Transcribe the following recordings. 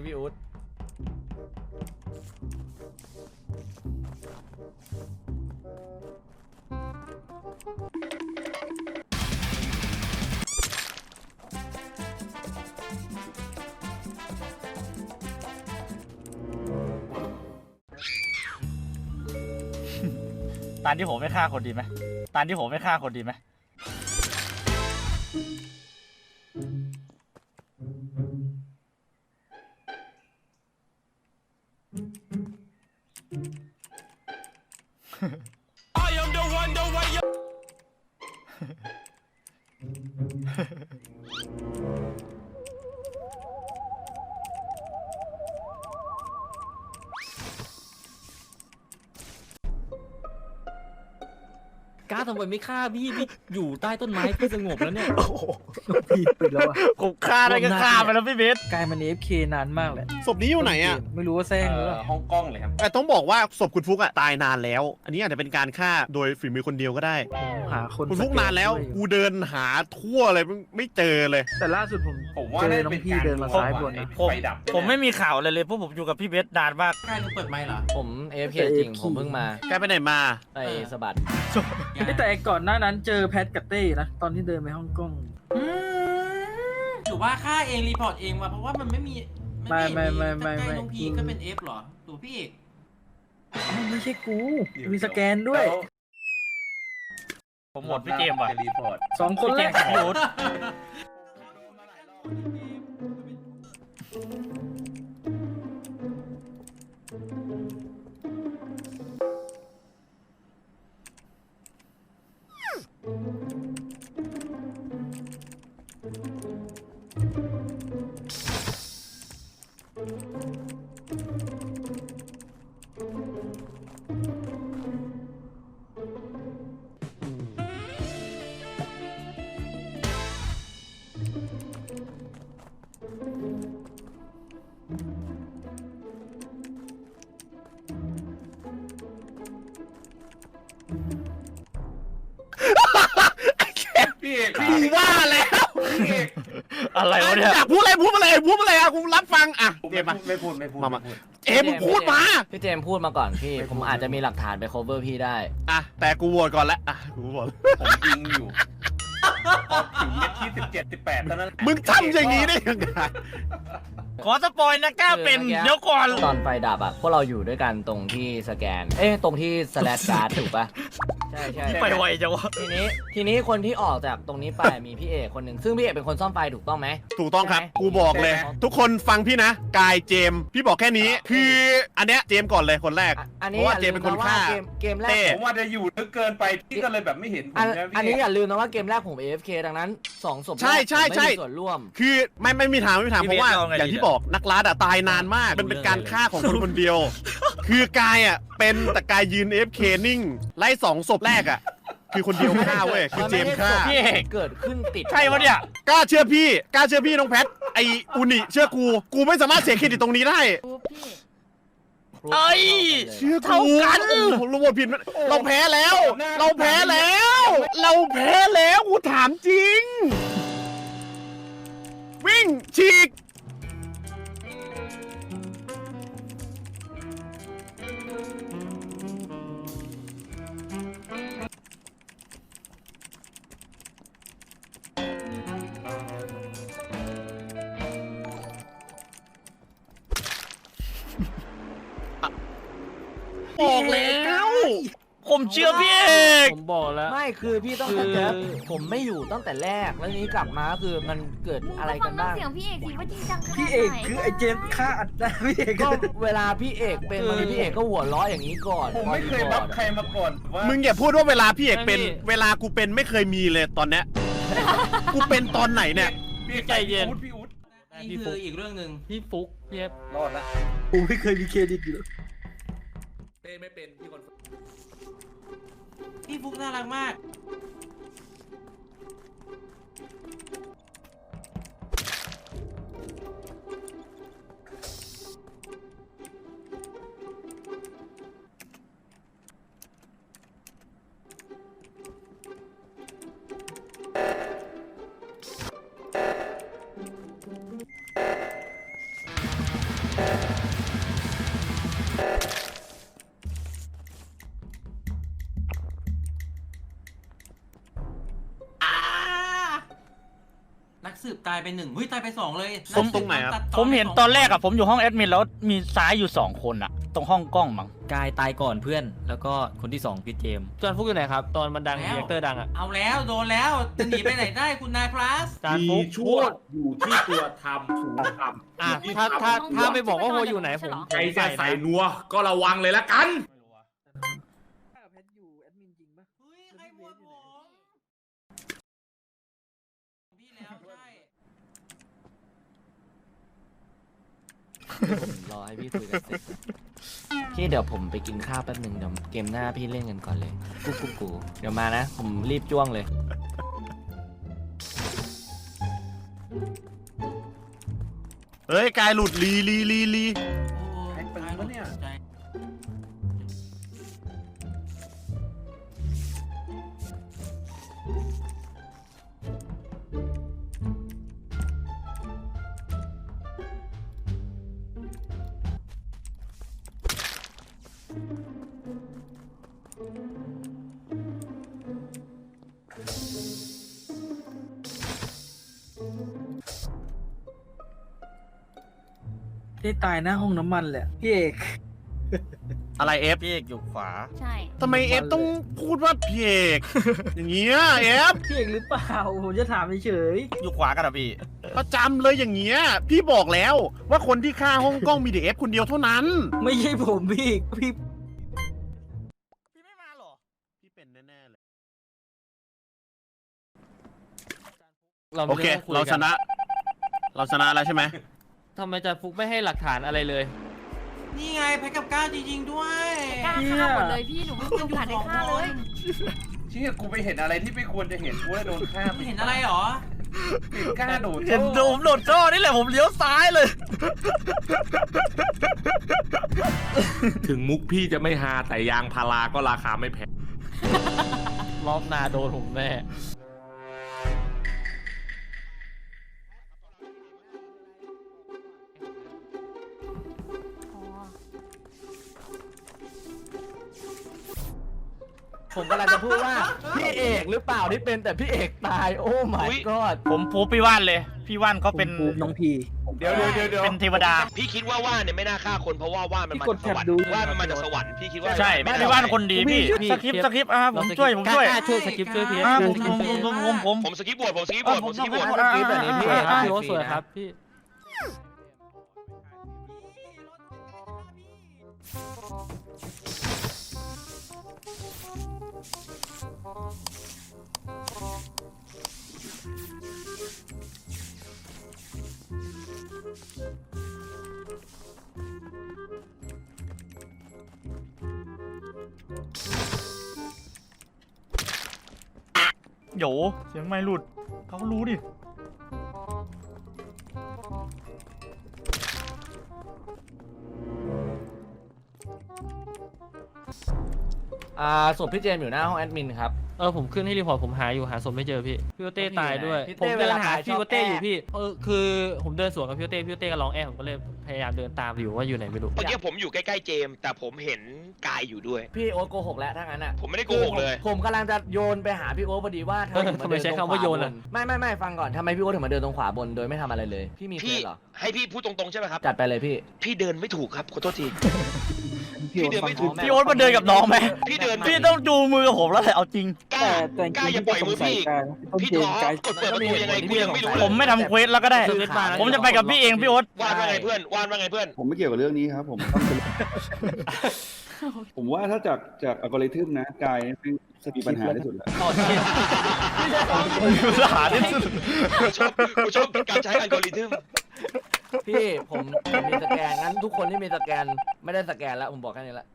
พี่อุ๊ดตานที่ผมไม่ฆ่าคนดีไหมตานที่ผมไม่ฆ่าคนดีไหมก้าทำไมไม่ฆ่าพี่อยู่ใต้ต้นไม้พี่สงบแล้วเนี่ยพี่ปิดแล้วอ่ะผมฆ่าได้ก็ฆ่าไปแล้วพี่เบสกลายมัน AFK นานมากเลยศพนี้อยู่ไหนอ่ะไม่รู้ว่าแซงหรือเปล่าฮ่องกงเลยครับแต่ต้องบอกว่าศพคุณฟุกอ่ะตายนานแล้ว อันนี้อาจจะเป็นการฆ่าโดยฝีมือคนเดียวก็ได้หาคนคุณฟุกนานแล้ว กูเดินหาทั่วเลยไม่เจอเลยแต่ล่าสุดผมผมว่าเจอได้น้องเป็นพี่การเดินมาซ้ายบนนะผมไฟดับผมไม่มีข่าวเลยเพราะผมอยู่กับพี่เบสนานมากใกล้เปิดไมค์เหรอผม AFK จริง ผมเพิ่งมาแกไปไหนมาไปสะบัดแต่ก่อนหน้านั้นเจอแพทกับเต้นะตอนที่เดินไปฮ่องกงหรือว่าฆ่าเองรีพอร์ตเองมาเพราะว่ามันไม่มีใกล้น้องพีก็เป็น F หรอตัวพี่เอกไม่ใช่กูมีสแกนด้วยผมหมดพี่เจมส์ว่ะรีพอร์ต 2 คนพี่แรเจมกส์กับพี่อุ๊ดพี่เอกกูว่าแล้วพี่เอกอะไรวะเนี่ยอยากพูดอะไรพูดอะไรพูดอะไรอ่ะกูรับฟังอ่ะเจมส์มาไม่พูดมา เอ๊ะมึงพูดมาพี่เจมส์พูดมาก่อนพี่ ผมอาจจะมีหลักฐานไป cover พี่ได้อ่ะแต่กูโหวตก่อนแล้วอ่ะกูโหวตผมยิงอยู่พอถึงเม็ดที่17 18เท่านั้นมึงทำอย่างนี้ได้ยังไงขอสปอยนะกล้าเป็นคือเมื่อกี้เดี๋ยวก่อนตอนไฟดับอ่ะ พวกเราอยู่ด้วยกันตรงที่สแกน ตรงที่ slash guard ถูกปะใช่ใช่ไปไวจังวะทีนี้คนที่ออกจากตรงนี้ไปมีพี่เอกคนหนึ่งซึ่งพี่เอกเป็นคนซ่อมไฟถูกต้องไหมถูกต้องครับ กูบอกเลย ทุกคนฟังพี่นะ กายเจมส์พี่บอกแค่นี้ คืออันเนี้ยเจมส์ก่อนเลยคนแรกอันเพนี้ราะว่าเจมส์เป็นคนฆ่าเกมแรเต้กผมว่าจะอยู่ลึกเกินไปพี่ก็เลยแบบไม่เห็นผมนะพี่อันนี้อย่าลืมนะว่าเกมแรกผม AFK ดังนั้น2ศพแรกใช่ใช่ผมใช่ไม่มีส่วนร่วมคือไม่มีทางเพราะว่าพี่เบสเอาไงอย่างที่ดีอะบอกนักล่าอะตายนานมาก มันเป็นการฆ่าของคนคนเดียว คือกายอ่ะเป็นแต่กายยืน AFK นิ่งไล่2ศพแรกอ่ะคือคนเดียวฆ่าเว้ยคือเจมส์ฆ่าพี่เอกเกิดขึ้นติดใช่วะเนี่ยกล้าเชื่อพี่น้องแพทไออุนิเชื่อกูไม่สามารถเสียเครดิตตรงนี้ได้เอ้ยเชื่อเท่ากันผมรู้ว่าผิดเราแพ้แล้ว เราแพ้แล้ว กูถามจริง วิ่งฉีก บอกแล้วผมเชื่อพี่เอกผมบอกแล้วไม่คือพี่ต้องคือเข้าใจผมไม่อยู่ตั้งแต่แรกแล้วทีนี้กลับมาคือมันเกิดอะไรกันบ้างเสียงพี่เอกสิว่าจริงจังขนาดไหนพี่เอกคือไอ้เจมส์ฆ่าอัดได้พี่เอกก็เวลาพี่เอกเป็นบางทีพี่เอกก็หัวล้ออย่างนี้ก่อนผมไม่เคยบัฟใครมาก่อนว่ามึงอย่าพูดว่าเวลาพี่เอกเป็น เวลากูเป็นไม่เคยมีเลยตอนเนี้ย กูเป็นตอนไหนเนี่ยพี่ใจเย็นพี่อุ๊ดนี่คืออีกเรื่องหนึ่งพี่ฟุกพี่เอฟรอดละกูไม่เคยมีเครดิตอยู่ไม่เป็นพี่คนพี่ฟุกน่ารักมากสืบตายไป1เฮ้ยตายไป2เลยผมตรงไหนครับผมเห็นตอนแรกอะผมอยู่ห้องแอดมินแล้วมีซ้ายอยู่2 คนอะตรงห้องกล้องมั้งกายตายก่อนเพื่อน แล้วก็คนที่2พี่เจมส์จอห์นฟุกอยู่ไหนครับ ตอนมันดังแล้วเรียกเตอร์ดังอ่ะเอาแล้วโดนแล้วจะหนีไปไหนได้คุณนายพลัสจอห์นฟุมีกชั่วอยู่ที่ตัวทำถูกทำอ่ะถ้าไม่บอกว่าโฮอยู่ไหนผมใครจะใส่นัวก็ระวังเลยละกันแพทอยู่แอดมินจริงปะเฮ้ยใครโหวตผมพี่แล้วใช่รอให้พี่คุยกันเสร็จพี่เดี๋ยวผมไปกินข้าวแป๊บหนึ่งเดี๋ยวเกมหน้าพี่เล่นกันก่อนเลยกูเดี๋ยวมานะ ผมรีบจ้วงเลยเฮ้ยกายหลุดลีโอ้ใครเป็นวะเนี่ยใจได้ตายหน้าห้องน้ำมันแหละพี่เอกอะไรเอฟพี่เอกอยู่ขวาใช่ทำไมเอฟต้องพูดว่าพี่เอกอย่างเงี้ยเอฟพี่เอกหรือเปล่าผมจะถามเฉยอยู่ขวากันอะพี่ประจำเลยอย่างเงี้ยพี่บอกแล้วว่าคนที่ฆ่าห้องกล้องมีเดเอฟคนเดียวเท่านั้นๆไม่ใช่ผมพี่พี่ไม่มาหรอพี่เป็นแน่ๆเลยเราไม่โอเคได้ต้องยเรากันชนะ เราชนะแล้วใช่ไหมทำไมจอห์นฟุกไม่ให้หลักฐานอะไรเลยนี่ไงแพ็กกับก้าวจริงๆด้วยกล้าฆ่าหมดเลยพี่หนูไม่มีโอกาสได้ฆ่าเลยเชี่ยกูไปเห็นอะไรที่ไม่ควรจะเห็นกูเลยโดนฆ่าไม่เห็นอะไรหรอปิดกล้าโดดเห็นผมโดดท่อนี่แหละผมเลี้ยวซ้ายเลยถึงมุกพี่จะไม่ฮาแต่ยางพาราก็ราคาไม่แพงรอบหน้าโดนผมแน่ผมกำลังจะพูดว่าพี่เอกหรือเปล่าที่เป็นแต่พี่เอกตายโอ้ my god ผมพูพี่ว่านเลย พี่ว่านเขาเป็นผมน้องพีเดี๋ยวเป็นเทวดาพี่คิดว่าว่านเนี่ยไม่น่าฆ่าคนเพราะว่าว่านมันมาพี่กดจากสวรรแท็บดูค์ว่านมันมาจากสวรรค์พี่คิดว่าใช่ไม่พี่น่าว่านคนดีพี่พี่สคริปต์สคริปต์อ่ะผมช่วยกล้าช่วยสกิปช่วยพี่อ่ะช่ผวยมพี่ผมสกิปบวชผมสกิปบวชผมสกิปบวชสกิปแบบนี้พี่พี่โอ๊ตสวยครับพี่โหยเสียงไม่หลุดเขาก็รู้ดิศพพี่เจมส์อยู่หน้าห้องแอดมินครับผมขึ้นให้รีพอร์ตผมหาอยู่หาศพไม่เจอพี่พี่โอเต้ตายด้วยพี่ผมเต้เดินหาเวลาตายพี่โอเต้ชอบแอบอยู่พี่คือผมเดินสวนกับพี่โอเต้พี่โอเต้ก็ร้องผมก็เลยพยายามเดินตามอยู่ว่าอยู่ไหนไม่รู้เมื่อกี้ผมอยู่ใกล้ๆเจมส์แต่ผมเห็นกายอยู่ด้วยพี่โอ๊ตโกหกแล้วถ้างั้นอ่ะผมไม่ได้โกหกเลยผมกำลังจะโยนไปหาพี่โอ๊ตพอดีว่าทำไมถึงมาเดินตรงขวาบนไม่ฟังก่อนทำไมพี่โอ๊ตถึงมาเดินตรงขวาบนโดยไม่ทำอะไรเลย พี่มีเควพี่สเหรอให้พี่พูดตรงๆใช่ไหมครับจัดไปเลยพี่พี่เดินไม่ถูกครับขอโทษที พี่เดินไม่ถูกพี่โอ๊ตมาเดินกับน้องไหมพี่เดินพี่ต้องจูงมือกับผมแล้วแหละเอาจริงกล้าแต่จกล้าริงอย่าๆปล่อยมือพี่ต้นพี่เกถมอกายกดเปิดประตูยังไงกูยังไม่รู้เลผยมไม่ทำเควสแล้วก็ได้ ผมจะไปกับพี่เองพี่โอ๊ตว่านว่าไงเพื่อนว่านว่าไงเพื่อนผมไม่เกี่ยวกับเรื่องนี้ครับ ผมต้องเป็น ผมว่าถ้าจากอัลกอริทึมนะกายเป็นมีปัญหาที่สุดแล้วหาที่สุดกูชอบการใช้อัลกอริทึมพี่ผมมีสแกนงั้นทุกคนที่มีสแกนไม่ได้สแกนแล้วผมบอกแค่นี้ละ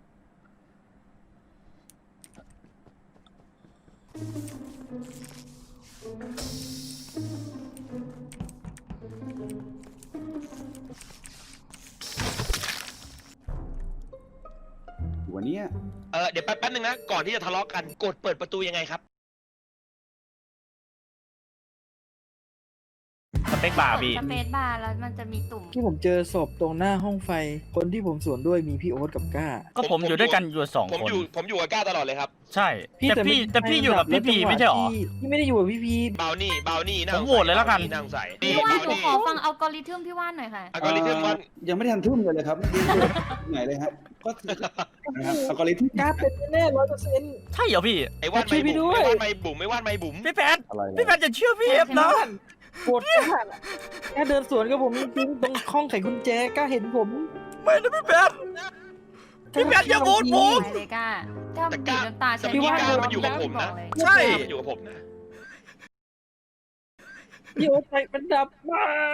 วันเนี้ยเดี๋ยวแป๊บนึงนะก่อนที่จะทะเลาะกันกดเปิดประตูยังไงครับสเปคบาร์พี่สเปซบาร์แล้วมันจะมีตุ่มที่ผมเจอศพตรงหน้าห้องไฟ คนที่ผมสวนด้วยมีพี่โอ๊ตกับก้าก็ผมอยู่ด้วยกันอยู่สองผมคนอยู่กับก้าตลอดเลยครับใช่แต่พี่อยู่กับพี่พีไม่ใช่หรอพี่ไม่ได้อยู่กับพี่พีบาวนี่น่าผมโหวตเลยแล้วกันน่าสงสัยพี่ว่านหนูขอฟังอัลกอริทึมพี่ว่านหน่อยค่ะอัลกอริทึมว่ายังไม่ทันทุ่มเลยครับไหนเลยฮะก็นะครับอัลกอริทึมก้าเป็นแน่100% ใช่เหรอพี่ไอ้ว่านช่วยพี่ด้วยไม่บุ๋มไม่ว่านไม่บุ๋มพี่แพทอะไรพี่แพทจะเชื่อพี่เอฟนะปวดก้าก้าเดินสวนกับผมจริงๆตรงห้องไขกุญแจก้าเห็นผมไม่นะพี่แพทพี่แพทอย่าโหวตผมไปเลยก้าก้าแต่บีก้าบน้ำตาแต่ใช่พี่ไหมก้ามันอยู่กับผมนะบอกเลยใช่มันอยู่กับผมนะพี่โอ๊ตไฟมันดับไป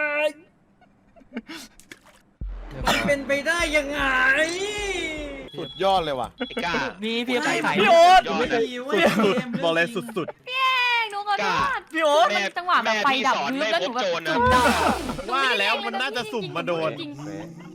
มันเป็นไปได้ยังไงสุดยอดเลยว่ะไอ้ก้านี่พี่ไปขายพี่โอ๊ตยอดนะสุดๆบอกเลยสุดแม่งหนูขอโทษพี่โอ๊ตมันจังหวะแบบไฟดับแม่แล้วหนูแบบไม่พบโจรนะจุดดับๆว่าแล้วมันน่าจะสุ่มมาโดนจริง